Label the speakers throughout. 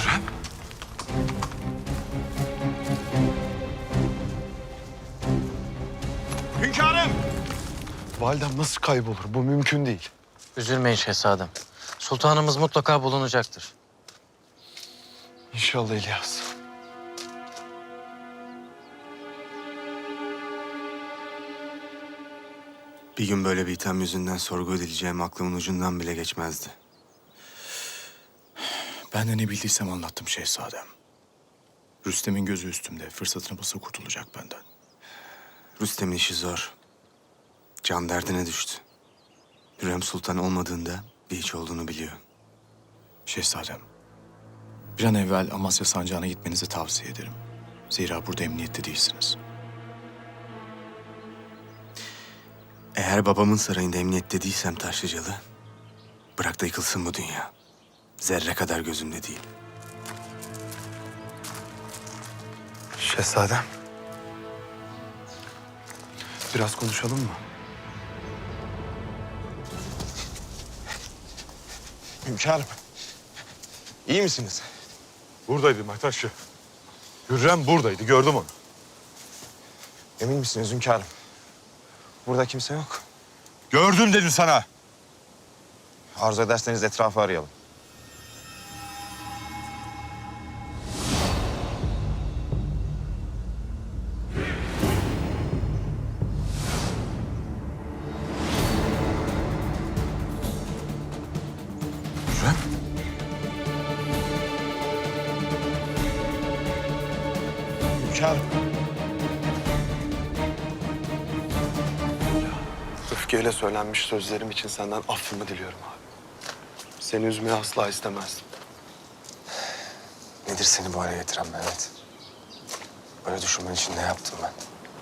Speaker 1: Hürrem. Hünkârım!
Speaker 2: Validem nasıl kaybolur? Bu mümkün değil.
Speaker 3: Üzülmeyin şehzadem. Sultanımız mutlaka bulunacaktır.
Speaker 2: İnşallah İlyas.
Speaker 4: Bir gün böyle bir itham yüzünden sorgu edileceğim aklımın ucundan bile geçmezdi.
Speaker 5: Ben de ne bildiysem anlattım şehzadem. Rüstem'in gözü üstümde. Fırsatını bulsa kurtulacak benden.
Speaker 4: Rüstem'in işi zor. Can derdine düştü. Hürrem Sultan olmadığında bir hiç olduğunu biliyor.
Speaker 5: Şehzadem, bir an evvel Amasya Sancağı'na gitmenizi tavsiye ederim. Zira burada emniyette değilsiniz.
Speaker 4: Eğer babamın sarayında emniyette değilsem Taşlıcalı, bırak da yıkılsın bu dünya. Zerre kadar gözümde değil.
Speaker 2: Şehzadem. Biraz konuşalım mı?
Speaker 1: Hünkârım. İyi misiniz?
Speaker 6: Buradaydı Mehtaşçı. Hürrem buradaydı, gördüm onu.
Speaker 1: Emin misiniz hünkârım? Burada kimse yok.
Speaker 6: Gördüm dedim sana.
Speaker 1: Arzu ederseniz etrafı arayalım.
Speaker 6: Hürrem.
Speaker 1: Hünkârım.
Speaker 2: Öfkeyle söylenmiş sözlerim için senden affımı diliyorum abi. Seni üzmeyi asla istemezdim.
Speaker 4: Nedir seni bu hale getiren Mehmet? Böyle düşünmen için ne yaptım ben?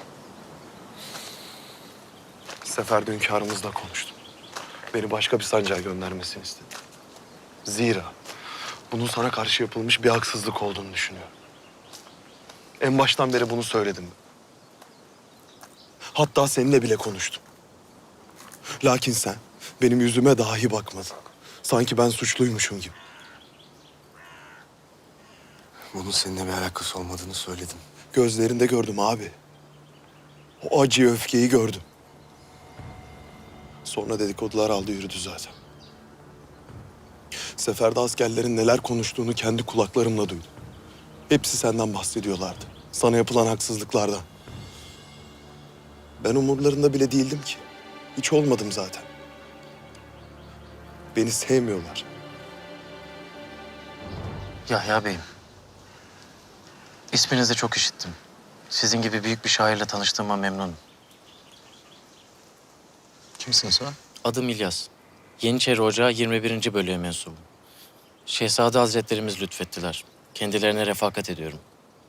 Speaker 2: Seferde hünkârımızla konuştum. Beni başka bir sancağa göndermesini istedi. Zira bunun sana karşı yapılmış bir haksızlık olduğunu düşünüyorum. En baştan beri bunu söyledim. Hatta seninle bile konuştum. Lakin sen benim yüzüme dahi bakmadın. Sanki ben suçluymuşum gibi.
Speaker 4: Bunun seninle bir alakası olmadığını söyledim.
Speaker 2: Gözlerinde gördüm abi. O acıyı, öfkeyi gördüm. Sonra dedikodular aldı yürüdü zaten. Seferde askerlerin neler konuştuğunu kendi kulaklarımla duydum. Hepsi senden bahsediyorlardı. Sana yapılan haksızlıklardan. Ben umurlarında bile değildim ki. Hiç olmadım zaten. Beni sevmiyorlar.
Speaker 3: Yahya Bey'im. İsminizi çok işittim. Sizin gibi büyük bir şairle tanıştığıma memnunum.
Speaker 5: Kimsin sen?
Speaker 3: Adım İlyas. Yeniçeri Ocağı 21. bölüğe mensubum. Şehzade Hazretlerimiz lütfettiler. Kendilerine refakat ediyorum.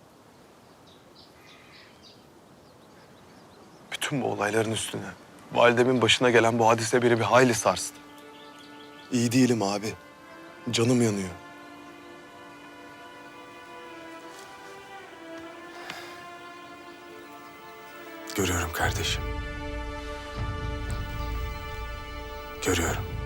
Speaker 2: Bütün bu olayların üstüne validemin başına gelen bu hadise beni bir hayli sarstı. İyi değilim abi. Canım yanıyor.
Speaker 4: Görüyorum kardeşim. Görüyorum.